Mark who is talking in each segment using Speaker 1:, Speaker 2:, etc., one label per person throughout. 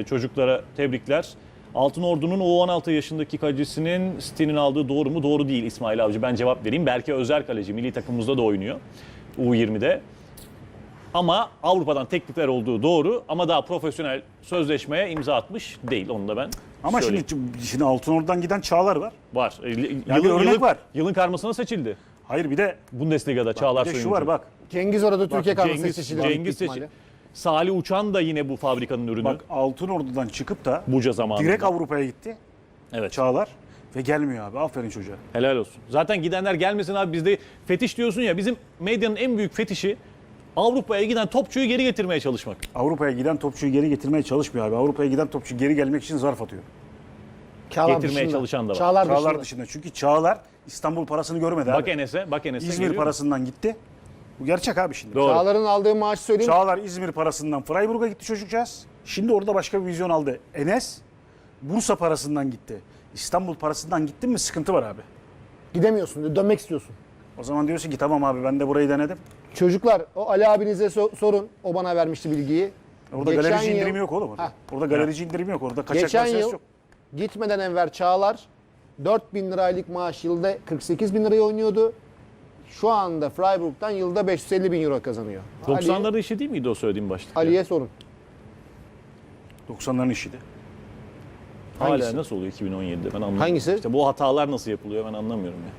Speaker 1: Çocuklara tebrikler. Altınordu'nun o 16 yaşındaki kalecisinin City'nin aldığı doğru mu? Doğru değil İsmail Avcı. Ben cevap vereyim. Berke Özer kaleci. Milli takımımızda da oynuyor. U20'de. Ama Avrupa'dan teklifler olduğu doğru. Ama daha profesyonel sözleşmeye imza atmış değil. Onu da ben
Speaker 2: Ama
Speaker 1: söyleyeyim.
Speaker 2: şimdi Altınordu'dan giden Çağlar var.
Speaker 1: Var.
Speaker 2: bir örnek var.
Speaker 1: Yılın karmasına seçildi.
Speaker 2: Hayır bir de
Speaker 1: Bundesliga'da Çağlar
Speaker 2: bir de şu
Speaker 1: Soyuncu.
Speaker 2: var bak.
Speaker 3: Cengiz orada Türkiye kadrosuna seçildi.
Speaker 1: Cengiz seçildi. Salih Uçan da yine bu fabrikanın ürünü.
Speaker 2: Bak Altınordu'dan çıkıp da
Speaker 1: Buca zamanında.
Speaker 2: direkt Avrupa'ya gitti.
Speaker 1: Evet.
Speaker 2: Çağlar ve gelmiyor abi. Aferin çocuğa.
Speaker 1: Helal olsun. Zaten gidenler gelmesin abi, bizde fetiş diyorsun ya, bizim medyanın en büyük fetişi Avrupa'ya giden topçuyu geri getirmeye çalışmak.
Speaker 2: Avrupa'ya giden topçuyu geri getirmeye çalışmıyor abi. Avrupa'ya giden topçu geri gelmek için zarf atıyor.
Speaker 1: Getirmeye çalışan da var.
Speaker 2: Çağlar dışında. Çünkü Çağlar İstanbul parasını görmedi
Speaker 1: Bak
Speaker 2: abi.
Speaker 1: Enes'e, bak Enes'e.
Speaker 2: İzmir
Speaker 1: geliyor.
Speaker 2: parasından gitti. Bu gerçek abi şimdi.
Speaker 1: Doğru.
Speaker 3: Çağlar'ın aldığı maaşı söyleyeyim.
Speaker 2: Çağlar İzmir parasından Freiburg'a gitti çocukcağız. Şimdi orada başka bir vizyon aldı. Enes Bursa parasından gitti. İstanbul parasından gittin mi sıkıntı var abi.
Speaker 3: Gidemiyorsun, dönmek istiyorsun.
Speaker 2: O zaman diyorsun ki tamam abi ben de burayı denedim.
Speaker 3: Çocuklar o Ali abinize sorun. O bana vermişti bilgiyi.
Speaker 2: Orada
Speaker 3: Geçen
Speaker 2: galerici
Speaker 3: yıl-
Speaker 2: indirimi yok oğlum. Orada,
Speaker 3: Heh.
Speaker 2: orada galerici indirimi yok. Orada kaçak
Speaker 3: Geçen
Speaker 2: meselesi
Speaker 3: yıl
Speaker 2: yok.
Speaker 3: gitmeden Enver Çağlar 4.000 liralık maaş yılda 48 bin liraya oynuyordu. Şu anda Freiburg'dan yılda 550 bin euro kazanıyor.
Speaker 1: 90'ların işi değil miydi o söylediğim başta?
Speaker 3: Ali'ye sorun.
Speaker 2: 90'ların işiydi.
Speaker 1: Hala
Speaker 3: Hangisi?
Speaker 1: nasıl oluyor 2017'de ben anlamıyorum.
Speaker 3: Hangisi?
Speaker 1: İşte bu hatalar nasıl yapılıyor ben anlamıyorum ya.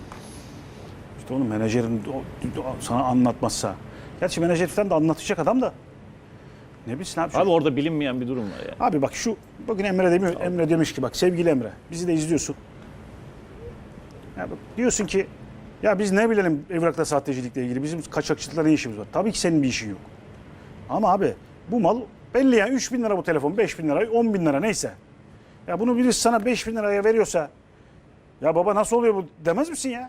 Speaker 2: İşte onun menajerin sana anlatmazsa. Gerçi menajer falan da anlatacak adam da. Ne bilsin abi.
Speaker 1: Abi orada bilinmeyen bir durum var ya.
Speaker 2: Abi bak şu bugün Emre demiyor. Emre demiş ki bak sevgili Emre bizi de izliyorsun. Ya bak, diyorsun ki ya biz ne bilelim evrakta sahtecilikle ilgili bizim kaçakçılıkla ne işimiz var? Tabii ki senin bir işin yok. Ama abi bu mal belli ya 3 bin lira bu telefon 5 bin lira 10 bin lira neyse. Ya bunu birisi sana 5 bin liraya veriyorsa ya baba nasıl oluyor bu demez misin ya?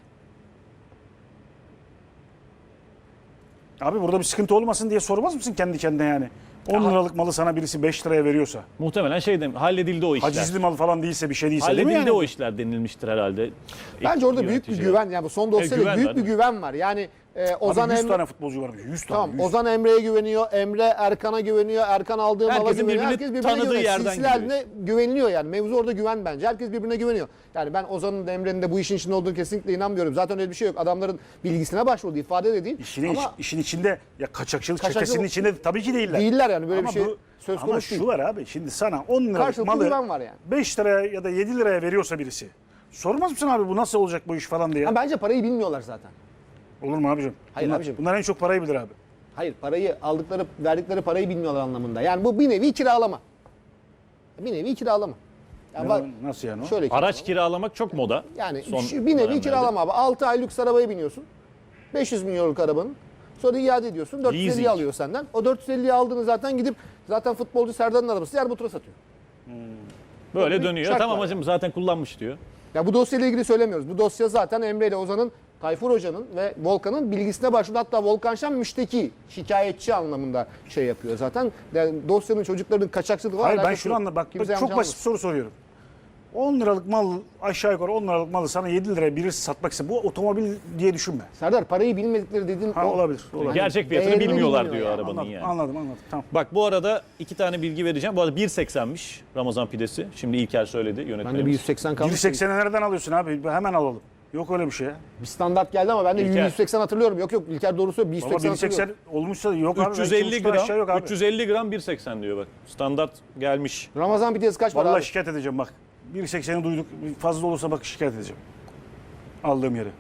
Speaker 2: Abi burada bir sıkıntı olmasın diye sormaz mısın kendi kendine yani? 10 liralık malı sana birisi 5 liraya veriyorsa.
Speaker 1: Muhtemelen halledildi o işler.
Speaker 2: Hacizli mal falan değilse bir şey değilse değil mi
Speaker 1: Halledildi
Speaker 2: yani?
Speaker 1: o işler denilmiştir herhalde.
Speaker 3: Bence orada büyük bir
Speaker 1: Yöneticiler.
Speaker 3: güven. Yani bu son dosyada
Speaker 1: güven
Speaker 3: büyük
Speaker 1: var,
Speaker 3: bir
Speaker 1: değil mi?
Speaker 3: güven var. Yani Ozan
Speaker 2: Abi 100
Speaker 3: Emre...
Speaker 2: tane futbolcu varmış. 100 tane.
Speaker 3: Tamam,
Speaker 2: 100.
Speaker 3: Ozan Emre'ye güveniyor, Emre Erkan'a güveniyor, Erkan aldığı mala
Speaker 1: Herkesin
Speaker 3: güveniyor.
Speaker 1: birbirini
Speaker 3: Herkes birbirine
Speaker 1: tanıdığı
Speaker 3: güveniyor.
Speaker 1: yerden
Speaker 3: Silsile haline güveniliyor yani. Mevzu orada güven bence. Herkes birbirine güveniyor. Yani ben Ozan'ın da Emre'nin de bu işin içinde olduğunu kesinlikle inanmıyorum. Zaten öyle bir şey yok. Adamların bilgisine başvurdu, ifade de değil.
Speaker 2: İşin içinde ya kaçakçılık
Speaker 3: Kaçakçılık-
Speaker 2: çetesinin içinde tabii ki değiller.
Speaker 3: Değiller yani böyle
Speaker 2: Ama
Speaker 3: bir şey
Speaker 2: bu-
Speaker 3: söz
Speaker 2: ama
Speaker 3: konusu
Speaker 2: şu
Speaker 3: değil.
Speaker 2: var abi şimdi sana 10 liralık
Speaker 3: Karşılıklı
Speaker 2: malı
Speaker 3: güven var yani.
Speaker 2: 5 liraya ya da 7 liraya veriyorsa birisi. Sormaz mısın abi bu nasıl olacak bu iş falan diye?
Speaker 3: Ha, bence parayı bilmiyorlar zaten.
Speaker 2: Olur mu abicim?
Speaker 3: Hayır abicim.
Speaker 2: Bunlar en çok parayı bilir abi.
Speaker 3: Hayır, parayı verdikleri parayı bilmiyorlar anlamında. Yani bu bir nevi kiralama. Bir nevi kiralama. Yani bak,
Speaker 2: Nasıl yani o?
Speaker 3: şöyle
Speaker 1: Araç kiralamak çok moda.
Speaker 3: Yani
Speaker 1: son
Speaker 3: bir nevi
Speaker 1: dönemlerde.
Speaker 3: kiralama abi. 6 ay lüks arabaya biniyorsun. 500 milyonluk arabanın. Sonra iade ediyorsun. 450'yi
Speaker 1: Leasing.
Speaker 3: alıyor senden. O 450'yi aldığını zaten gidip zaten futbolcu Serdar'ın arabası Erbutur'a satıyor.
Speaker 1: Böyle
Speaker 3: bir
Speaker 1: dönüyor.
Speaker 3: şart
Speaker 1: Tamam
Speaker 3: var
Speaker 1: hacım zaten kullanmış diyor.
Speaker 3: Ya bu dosyayla ilgili söylemiyoruz. Bu dosya zaten Emre ile Ozan'ın, Tayfur Hoca'nın ve Volkan'ın bilgisine başvurdu. Hatta Volkan Şen müşteki, şikayetçi anlamında şey yapıyor zaten. Yani dosyanın çocukların kaçakçılığı var.
Speaker 2: Hayır ben
Speaker 3: alakası
Speaker 2: şunu
Speaker 3: yok.
Speaker 2: anla bak
Speaker 3: Kimse
Speaker 2: çok
Speaker 3: yanlış
Speaker 2: basit bir soru soruyorum. 10 liralık mal aşağı yukarı 10 liralık malı sana 7 liraya birisi satmak ise bu otomobil diye düşünme.
Speaker 3: Serdar parayı bilmedikleri dediğin
Speaker 2: Ha, olabilir.
Speaker 1: Gerçek fiyatını
Speaker 3: değerini
Speaker 1: bilmiyorlar
Speaker 3: bilmiyor
Speaker 1: diyor
Speaker 3: yani.
Speaker 1: arabanın
Speaker 2: Anladım,
Speaker 1: yani.
Speaker 2: anladım. Tamam.
Speaker 1: Bak bu arada 2 tane bilgi vereceğim. Bu arada 1.80'miş Ramazan pidesi. Şimdi İlker söyledi
Speaker 3: Ben de
Speaker 1: yönetmenimiz.
Speaker 3: bir 180 kalmış.
Speaker 2: 180'i nereden alıyorsun abi? Hemen alalım. Yok öyle bir şey ya.
Speaker 3: Bir standart geldi ama ben de
Speaker 1: İlker.
Speaker 3: 180 hatırlıyorum. Yok İlker doğru söylüyor.
Speaker 2: Baba
Speaker 3: 180
Speaker 2: 180
Speaker 3: hatırlıyorum.
Speaker 2: olmuşsa yok abi.
Speaker 1: 350
Speaker 2: Belki aşağı yok
Speaker 1: gram,
Speaker 2: abi.
Speaker 1: 350 gram 1.80 diyor bak. Standart gelmiş.
Speaker 3: Ramazan pidesi kaç var
Speaker 2: Vallahi
Speaker 3: abi?
Speaker 2: şikayet edeceğim bak. 1.80'i duyduk. Fazla olursa bak şikayet edeceğim. Aldığım yere.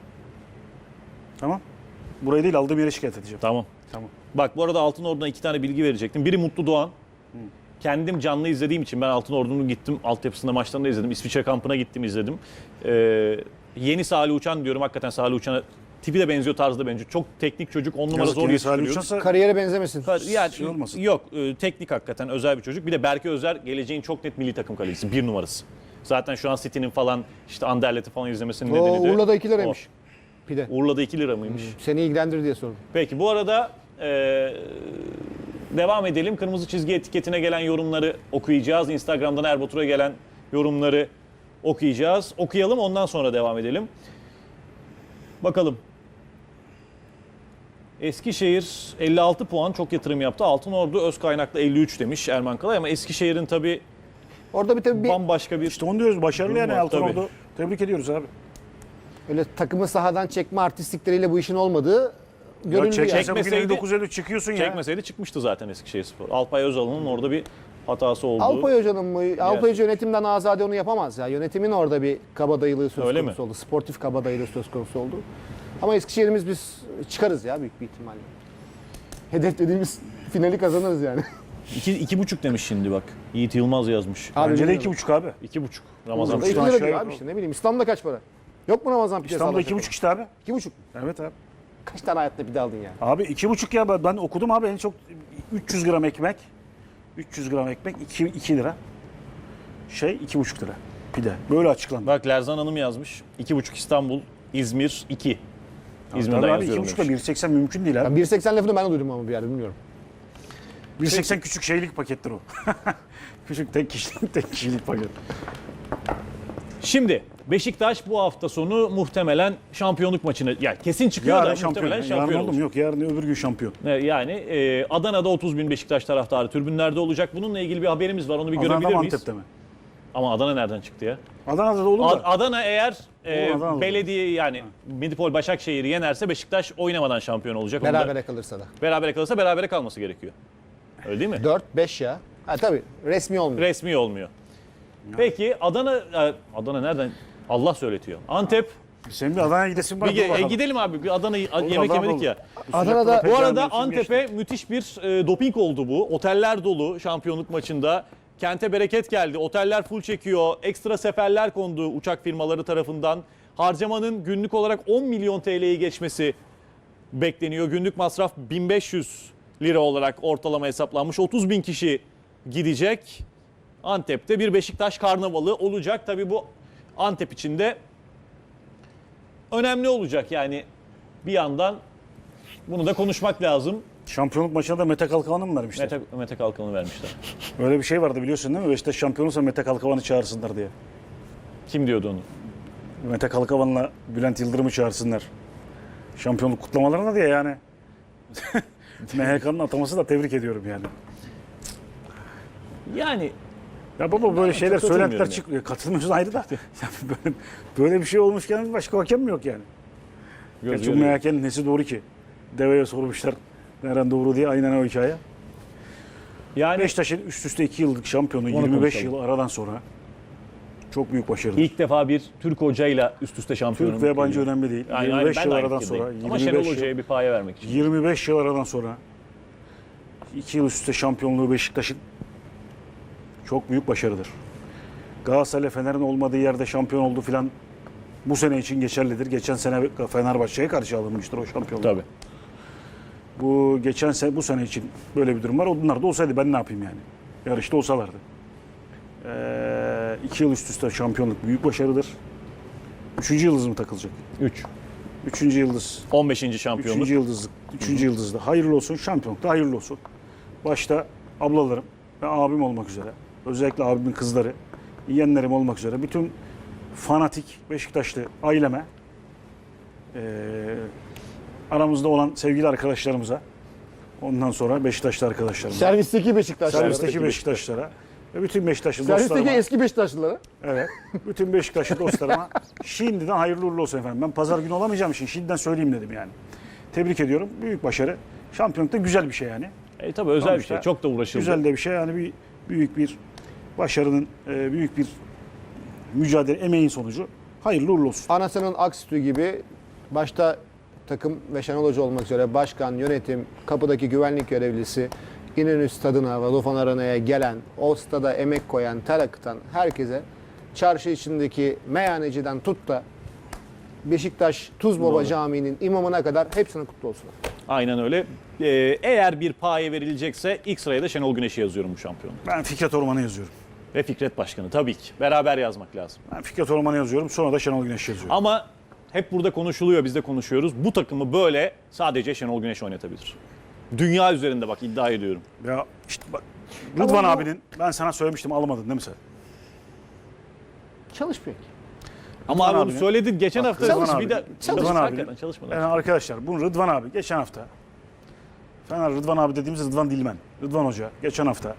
Speaker 2: Tamam. Burayı değil aldığım yere şikayet edeceğim.
Speaker 1: Tamam.
Speaker 2: Tamam.
Speaker 1: Bak bu arada Altınordu'na 2 tane bilgi verecektim. Biri Mutlu Doğan. Kendim canlı izlediğim için ben Altınordu'nun gittim. Altyapısında maçlarını da izledim. İsviçre kampına gittim izledim. Yeni Salih Uçan diyorum. Hakikaten Salih Uçan'a tipi de benziyor, tarzı da benziyor. Çok teknik çocuk. 10 numara
Speaker 2: Yazık
Speaker 1: zor
Speaker 2: yani Salih
Speaker 1: yetiştiriyor.
Speaker 2: Uçan'sa
Speaker 3: Kariyere benzemesin.
Speaker 1: Yani
Speaker 2: şey olmasın.
Speaker 1: yok teknik hakikaten özel bir çocuk. Bir de Berke Özer geleceğin çok net milli takım kalecisi. 1 numarası. Zaten şu an City'nin falan işte Anderlet'i falan izlemesinin
Speaker 3: O
Speaker 1: nedeni de
Speaker 3: Urla'da 2
Speaker 1: o.
Speaker 3: liraymış. Pide.
Speaker 1: Urla'da 2 lira mıymış?
Speaker 3: Seni ilgilendirir diye sordum.
Speaker 1: Peki bu arada devam edelim. Kırmızı çizgi etiketine gelen yorumları okuyacağız. Instagram'dan Erbatur'a gelen yorumları okuyacağız. Okuyalım ondan sonra devam edelim. Bakalım. Eskişehir 56 puan, çok yatırım yaptı. Altınordu öz kaynaklı 53 demiş Erman Kalay ama Eskişehir'in tabii
Speaker 3: Orada bir tabii
Speaker 1: bambaşka bir
Speaker 2: İşte onu diyoruz. Başarılı yani
Speaker 1: Var,
Speaker 2: Altınordu. Tebrik ediyoruz abi.
Speaker 3: öyle takımı sahadan çekme artistlikleriyle bu işin olmadığı görüldü yani.
Speaker 2: Çekmese bugün
Speaker 1: Çekmeseydi-
Speaker 2: 59-53 çıkıyorsun ya.
Speaker 1: çekmeseydi çıkmıştı zaten Eskişehirspor. Alpay Özal'ın orada bir hatası oldu.
Speaker 3: Alpay Hoca'nın mı? Alpay Hoca yönetimden azade onu yapamaz ya. Yönetimin orada bir kabadayılığı söz
Speaker 1: Öyle
Speaker 3: konusu
Speaker 1: mi?
Speaker 3: oldu. Sportif kabadayılığı söz konusu oldu. Ama Eskişehir'imiz biz çıkarız ya büyük bir ihtimalle. Hedef dediğimiz finali kazanırız yani.
Speaker 1: 2,5 demiş şimdi bak. Yiğit Yılmaz yazmış.
Speaker 2: Bence de
Speaker 3: bilmiyorum.
Speaker 2: 2,5 abi.
Speaker 1: 2,5. Ramazan
Speaker 3: Burada
Speaker 2: Ramazan
Speaker 3: 2
Speaker 2: aşağı
Speaker 3: lira diyor
Speaker 2: yukarı.
Speaker 3: abi işte ne bileyim. İstanbul'da kaç para? Yok mu Ramazan pidesi?
Speaker 2: İstanbul'da 2,5 işte abi.
Speaker 3: 2,5.
Speaker 2: Evet abi.
Speaker 3: Kaç tane hayatta pide aldın ya?
Speaker 2: Abi 2,5 ya ben okudum abi en çok 300 gram ekmek. 300 gram ekmek 2 lira. 2,5 lira. Pide. Böyle açıklandı.
Speaker 1: Bak Lerzan Hanım yazmış. 2,5 İstanbul, İzmir 2. İzmir'den
Speaker 2: Tabii abi
Speaker 1: yazıyorum
Speaker 2: 2,5
Speaker 1: demiş.
Speaker 2: da 1,80 mümkün değil abi.
Speaker 3: 1.80 lafını ben de duydum ama bir yerde bilmiyorum.
Speaker 2: 1,80 küçük şeylik pakettir o. Küçük tek kişilik paket.
Speaker 1: Şimdi Beşiktaş bu hafta sonu muhtemelen şampiyonluk maçını, yani kesin çıkıyor
Speaker 2: Yarın
Speaker 1: da
Speaker 2: şampiyon.
Speaker 1: muhtemelen
Speaker 2: Yarın
Speaker 1: şampiyon
Speaker 2: oldu
Speaker 1: olacak.
Speaker 2: mu? Yok yarın öbür gün şampiyon.
Speaker 1: Yani Adana'da 30 bin Beşiktaş taraftarı tribünlerde olacak. Bununla ilgili bir haberimiz var. Onu bir
Speaker 2: Adana'da
Speaker 1: görebilir
Speaker 2: mı
Speaker 1: miyiz?
Speaker 2: Antep'te mi?
Speaker 1: Ama Adana nereden çıktı ya?
Speaker 2: Adana'da da olur da.
Speaker 1: Adana eğer
Speaker 2: Adana'da olur.
Speaker 1: belediye yani Medipol Başakşehir'i yenerse Beşiktaş oynamadan şampiyon olacak. Onu da
Speaker 3: Berabere kalırsa da.
Speaker 1: berabere kalırsa berabere kalması gerekiyor. Öyle değil mi?
Speaker 3: 4-5 ya. Ha tabii resmi olmuyor.
Speaker 1: Resmi olmuyor. Peki Adana nereden? Allah söyletiyor. Antep.
Speaker 2: Senin bir Adana'ya gidesin var.
Speaker 1: Bir
Speaker 2: dur bakalım.
Speaker 1: gidelim abi. Bir Adana yemek
Speaker 2: Adana
Speaker 1: yemedik
Speaker 2: olur.
Speaker 1: ya.
Speaker 3: Adana'da
Speaker 2: Pek
Speaker 1: Bu arada
Speaker 2: mevsim
Speaker 1: Antep'e
Speaker 2: geçti.
Speaker 1: müthiş bir doping oldu bu. Oteller dolu şampiyonluk maçında. Kente bereket geldi. Oteller full çekiyor. Ekstra seferler kondu uçak firmaları tarafından. Harcamanın günlük olarak 10 milyon TL'yi geçmesi bekleniyor. Günlük masraf 1500 lira olarak ortalama hesaplanmış. 30 bin kişi gidecek. Antep'te bir Beşiktaş karnavalı olacak. Tabii bu Antep için de önemli olacak. Yani bir yandan bunu da konuşmak lazım.
Speaker 2: Şampiyonluk maçına da Mete Kalkavan'ı mı vermişler?
Speaker 1: Mete Kalkan'ı vermişler.
Speaker 2: Öyle bir şey vardı biliyorsun değil mi? Beşiktaş şampiyonuysa Mete Kalkavan'ı çağırsınlar diye.
Speaker 1: Kim diyordu onu?
Speaker 2: Mete Kalkavan'la Bülent Yıldırım'ı çağırsınlar. Şampiyonluk kutlamalarına diye yani. MHK'nın ataması da tebrik ediyorum yani.
Speaker 1: Yani
Speaker 2: Ya baba böyle şeyler
Speaker 1: çok
Speaker 2: söylentiler
Speaker 1: katılmıyorum
Speaker 2: çıkıyor. Katılmıyoruz ayrı da. Ya böyle bir şey olmuşken başka hakem mi yok yani?
Speaker 1: göz
Speaker 2: Çünkü
Speaker 1: görüyor.
Speaker 2: MHK'nin nesi doğru ki? Deveye sormuşlar. Nereden doğru diye aynen o hikaye.
Speaker 1: Yani
Speaker 2: Beşiktaş'ın üst üste 2 yıllık şampiyonu 25 yıl aradan sonra çok büyük başarı.
Speaker 1: ilk defa bir Türk hocayla üst üste şampiyonluk
Speaker 2: Türk ve yabancı
Speaker 1: geliyor.
Speaker 2: önemli değil.
Speaker 1: Aynen,
Speaker 2: 25
Speaker 1: ben
Speaker 2: yıl
Speaker 1: de aynı
Speaker 2: aradan
Speaker 1: fikirdeyim.
Speaker 2: sonra,
Speaker 1: Ama Şenol
Speaker 2: 25 yıl,
Speaker 1: Hoca'ya bir paye vermek için.
Speaker 2: 25 yıl aradan sonra 2 yıl üst üste şampiyonluğu Beşiktaş'ın çok büyük başarıdır. Galatasaray Fener'in olmadığı yerde şampiyon oldu filan bu sene için geçerlidir. Geçen sene Fenerbahçe'ye karşı alınmıştır o şampiyonluk.
Speaker 1: Tabii.
Speaker 2: Bu geçen sene bu sene için böyle bir durum var. Onlar da olsaydı ben ne yapayım yani? Yarışta olsalardı. 2 yıl üst üste şampiyonluk büyük başarıdır. 3. yıldız mı takılacak?
Speaker 1: 3.
Speaker 2: 3. yıldız.
Speaker 1: 15. şampiyonluk.
Speaker 2: 3. yıldızlık. 3. yıldızda. Hayırlı olsun. Şampiyonlukta hayırlı olsun. Başta ablalarım ve abim olmak üzere. Özellikle abimin kızları, yeğenlerim olmak üzere. Bütün fanatik Beşiktaşlı aileme, aramızda olan sevgili arkadaşlarımıza, ondan sonra Beşiktaşlı arkadaşlarımıza,
Speaker 3: Servisteki Beşiktaşlılara.
Speaker 2: servisteki Beşiktaşlara ve bütün Beşiktaşlı
Speaker 3: Servisteki
Speaker 2: dostlarıma,
Speaker 3: eski Beşiktaşlılara.
Speaker 2: evet, bütün Beşiktaşlı dostlarıma şimdiden hayırlı uğurlu olsun efendim. Ben pazar günü olamayacağım için şimdiden söyleyeyim dedim yani. Tebrik ediyorum. Büyük başarı. Şampiyonlukta güzel bir şey yani.
Speaker 1: Tabii özel bir
Speaker 2: Sonuçta
Speaker 1: şey. Çok da uğraşıldı.
Speaker 2: Güzel de bir şey yani büyük bir başarının, büyük bir mücadele, emeğin sonucu. Hayırlı uğurlu olsun.
Speaker 3: Anasının ak sütü gibi başta takım ve Şenol Hoca olmak üzere başkan, yönetim, kapıdaki güvenlik görevlisi, İnönü Stadı'na, Vodafone Arena'ya gelen, o stada emek koyan, ter akıtan herkese çarşı içindeki meyhaneciden tut da Beşiktaş Tuzbaba
Speaker 1: Doğru.
Speaker 3: Camii'nin imamına kadar hepsine kutlu olsun.
Speaker 1: Aynen öyle. Eğer bir paye verilecekse ilk sıraya da Şenol Güneş'i yazıyorum bu şampiyonluk.
Speaker 2: Ben Fikret Orman'ı yazıyorum.
Speaker 1: Ve Fikret Başkanı tabii ki. Beraber yazmak lazım.
Speaker 2: Ben Fikret Orman'ı yazıyorum. Sonra da Şenol Güneş yazıyorum.
Speaker 1: Ama hep burada konuşuluyor, biz de konuşuyoruz. Bu takımı böyle sadece Şenol Güneş oynatabilir. Dünya üzerinde bak iddia ediyorum.
Speaker 2: Ya işte bak Rıdvan abinin, ben sana söylemiştim almadın değil mi sen?
Speaker 3: Çalış peki.
Speaker 1: Ama abi onu
Speaker 2: abinin-
Speaker 1: söyledin geçen hafta.
Speaker 2: Rıdvan
Speaker 1: biz
Speaker 2: abi,
Speaker 1: bir de
Speaker 2: Rıdvan
Speaker 1: Çalışın,
Speaker 2: abinin-
Speaker 1: hakikaten çalışmadan.
Speaker 2: Yani arkadaşlar bu Rıdvan abi geçen hafta Fener Rıdvan abi dediğimiz Rıdvan Dilmen. Rıdvan Hoca geçen hafta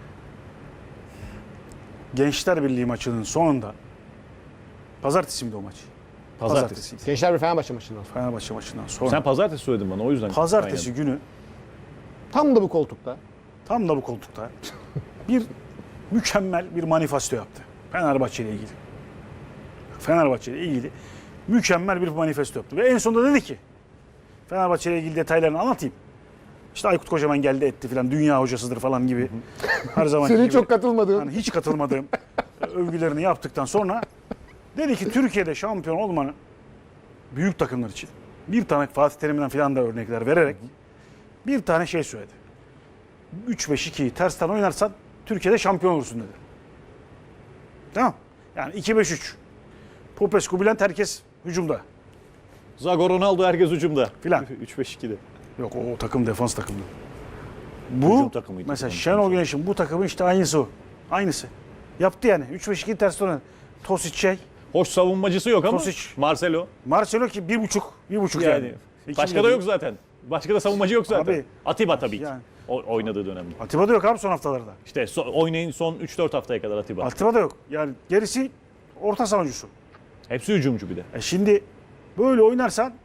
Speaker 2: Gençler Birliği maçının sonunda pazartesi miydi o maç? Pazartesiydi.
Speaker 3: Gençler bir Fenerbahçe maçından.
Speaker 2: Fenerbahçe maçından sonra.
Speaker 1: Sen pazartesi söyledin bana o yüzden.
Speaker 2: Pazartesi günü
Speaker 3: Tam da bu koltukta.
Speaker 2: tam da bu koltukta bir mükemmel bir manifesto yaptı. Fenerbahçe ile ilgili. Fenerbahçe ile ilgili mükemmel bir manifesto yaptı. Ve en sonunda dedi ki Fenerbahçe ile ilgili detaylarını anlatayım. İşte Aykut Kocaman geldi etti filan, dünya hocasıdır falan gibi. Her zaman
Speaker 3: Senin
Speaker 2: gibi.
Speaker 3: çok katılmadığın.
Speaker 2: Yani hiç katılmadığım övgülerini yaptıktan sonra dedi ki Türkiye'de şampiyon olmanın büyük takımlar için bir tane Fatih Terim'den filan da örnekler vererek bir tane şey söyledi. 3-5-2'yi tersten oynarsan Türkiye'de şampiyon olursun dedi. Tamam. Yani 2-5-3. Popescu, Bülent herkes hücumda.
Speaker 1: Zago, Ronaldo herkes hücumda.
Speaker 2: Filan.
Speaker 1: 3-5-2'de.
Speaker 2: Yok o takım defans takımdı.
Speaker 1: Hücum
Speaker 2: Bu
Speaker 1: takımıydı.
Speaker 2: mesela
Speaker 1: Hücum
Speaker 2: Şenol
Speaker 1: takımı.
Speaker 2: Güneş'in bu takımın işte aynısı o. Aynısı. Yaptı yani. 3-5-2 tersten oynadı. Tosic şey.
Speaker 1: Hoş savunmacısı yok ama
Speaker 2: Tosic.
Speaker 1: Marcelo.
Speaker 2: Marcelo ki 1.5 yani.
Speaker 1: Yani.
Speaker 2: İki
Speaker 1: Başka
Speaker 2: milyon.
Speaker 1: da yok zaten. Başka da savunmacı yok zaten.
Speaker 2: Abi.
Speaker 1: Atiba tabii ki.
Speaker 2: Yani.
Speaker 1: Oynadığı dönemde.
Speaker 2: Atiba da yok abi son haftalarda.
Speaker 1: İşte oynayın son 3-4 haftaya kadar Atiba.
Speaker 2: Atiba da yok. Yani gerisi orta savunucusu.
Speaker 1: Hepsi hücumcu bir de.
Speaker 2: Şimdi böyle oynarsan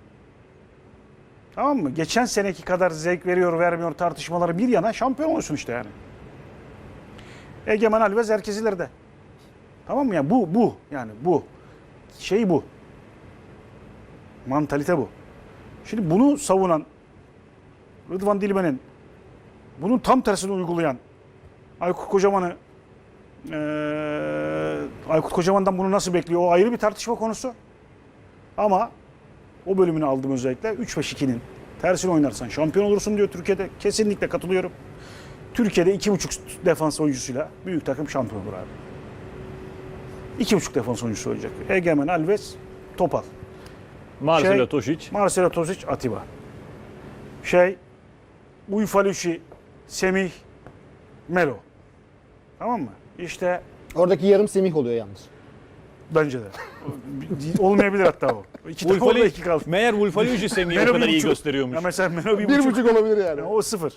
Speaker 2: tamam mı? Geçen seneki kadar zevk veriyor vermiyor tartışmaları bir yana şampiyon olursun işte yani. Egemen Alves herkes ileride. Tamam mı? Yani bu yani bu. Şey bu. Mantalite bu. Şimdi bunu savunan Rıdvan Dilmen'in bunun tam tersini uygulayan Aykut Kocaman'ı Aykut Kocaman'dan bunu nasıl bekliyor? O ayrı bir tartışma konusu. Ama o bölümünü aldım özellikle. 3-5-2'nin tersini oynarsan şampiyon olursun diyor Türkiye'de. Kesinlikle katılıyorum. Türkiye'de 2.5 defans oyuncusuyla büyük takım şampiyon olur abi. 2.5 defans oyuncusu olacak. Egemen, Alves, Topal.
Speaker 1: Marcelo Tosic.
Speaker 2: Marcelo Tosic, Atiba. Uyfaluşi, Semih, Melo. Tamam mı? İşte
Speaker 3: Oradaki yarım Semih oluyor yalnız.
Speaker 2: bence de. Olmayabilir hatta o. İki tane orada iki kaldı.
Speaker 1: Meğer Wolfaliucci Semih'i o
Speaker 2: Melo
Speaker 1: kadar
Speaker 2: bir
Speaker 1: iyi
Speaker 2: buçuk.
Speaker 1: gösteriyormuş.
Speaker 2: Ya mesela Melo bir
Speaker 3: Bir
Speaker 2: buçuk.
Speaker 3: buçuk olabilir yani.
Speaker 2: Yani o 0.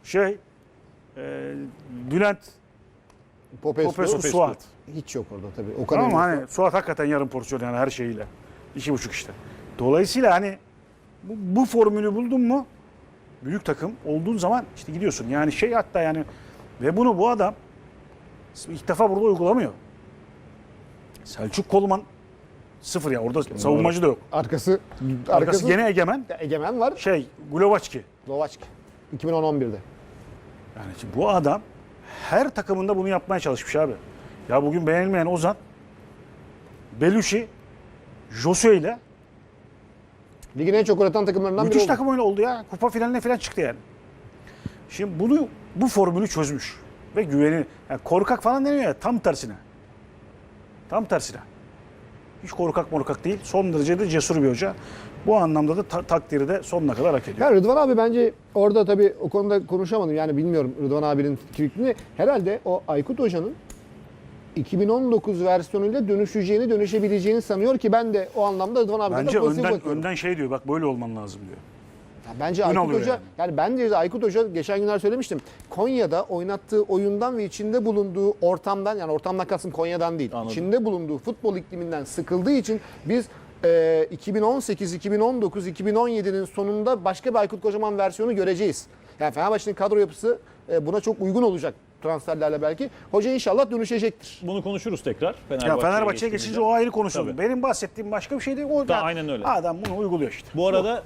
Speaker 2: Bülent, Popescu, Suat.
Speaker 3: Hiç yok orada tabii. O kadar.
Speaker 2: Tamam mı? Hani Suat hakikaten yarım porsiyon yani her şeyiyle. 2.5 işte. Dolayısıyla hani bu formülü buldun mu büyük takım olduğun zaman işte gidiyorsun. Yani hatta yani ve bunu bu adam ilk defa burada uygulamıyor. Selçuk Kolman 0 ya orada savunmacı da yok. Arkası gene Egemen.
Speaker 3: Egemen var.
Speaker 2: Glovaçki.
Speaker 3: Lovaçki. 2011'de.
Speaker 2: Yani şimdi bu adam her takımında bunu yapmaya çalışmış abi. Ya bugün beğenilmeyen Ozan, Belushi, Josue ile
Speaker 3: Ligin en çok üreten takımlarından biri
Speaker 2: müthiş
Speaker 3: oldu.
Speaker 2: takım öyle oldu ya. Kupa finaline falan çıktı yani. Şimdi bu formülü çözmüş. Ve güveni, yani korkak falan deniyor ya tam tersine. Tam tersine. Hiç korkak değil. Son derece de cesur bir hoca. Bu anlamda da takdiri de sonuna kadar hak ediyor.
Speaker 3: Ya Rıdvan abi bence orada tabii o konuda konuşamadım. Yani bilmiyorum Rıdvan abinin fikrini. Herhalde o Aykut Hoca'nın 2019 versiyonuyla dönüşebileceğini sanıyor ki ben de o anlamda Rıdvan abi
Speaker 2: Bence
Speaker 3: kadar pozitif bakıyorum.
Speaker 2: önden diyor bak böyle olman lazım diyor.
Speaker 3: Ya bence
Speaker 2: Ön
Speaker 3: Aykut
Speaker 2: alıyor
Speaker 3: Hoca yani bence Aykut Hoca geçen günler söylemiştim. Konya'da oynattığı oyundan ve içinde bulunduğu ortamdan yani ortamdan kastım Konya'dan değil.
Speaker 1: Anladım.
Speaker 3: İçinde bulunduğu futbol ikliminden sıkıldığı için biz 2018, 2019, 2017'nin sonunda başka bir Aykut Kocaman versiyonu göreceğiz. Yani Fenerbahçe'nin kadro yapısı buna çok uygun olacak transferlerle belki. Hoca inşallah dönüşecektir.
Speaker 1: Bunu konuşuruz tekrar.
Speaker 2: Ya Fenerbahçe'ye geçince o ayrı konuşuldu.
Speaker 1: Tabii.
Speaker 2: Benim bahsettiğim başka bir şey değil. O da
Speaker 1: aynen öyle.
Speaker 2: Adam bunu uyguluyor işte.
Speaker 1: Bu arada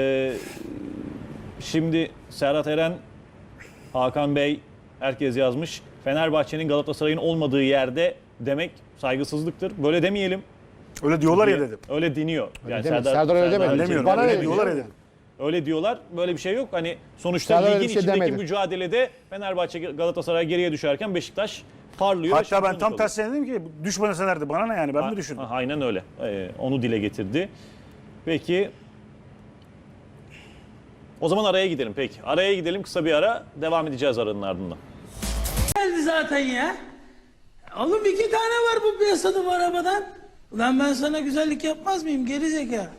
Speaker 1: şimdi Serhat Eren, Hakan Bey herkes yazmış. Fenerbahçe'nin Galatasaray'ın olmadığı yerde demek saygısızlıktır. Böyle demeyelim.
Speaker 2: Öyle diyorlar ya dedim.
Speaker 1: Öyle deniyor.
Speaker 3: Öyle demedi. Serdar öyle demedi.
Speaker 2: Demiyorum.
Speaker 3: Bana
Speaker 2: Öyle
Speaker 3: öyle
Speaker 2: diyorlar
Speaker 3: diyor.
Speaker 2: ya dedim.
Speaker 1: Öyle diyorlar. Böyle bir şey yok. Hani sonuçta
Speaker 3: Serdar öyle
Speaker 1: ligin
Speaker 3: bir şey
Speaker 1: içindeki
Speaker 3: demedi.
Speaker 1: mücadelede Fenerbahçe Galatasaray geriye düşerken Beşiktaş parlıyor. ve
Speaker 2: Hatta ben
Speaker 1: şampiyonluk
Speaker 2: tam
Speaker 1: oluyor.
Speaker 2: tersine dedim ki düşman eselerdi. Bana ne yani ben mi düşündüm?
Speaker 1: Aynen öyle. Onu dile getirdi. Peki. O zaman araya gidelim peki. Araya gidelim, kısa bir ara. Devam edeceğiz aranın ardından.
Speaker 4: Geldi zaten ya. Oğlum 2 tane var bu piyasada bu arabadan. Ulan ben sana güzellik yapmaz mıyım geri zeka?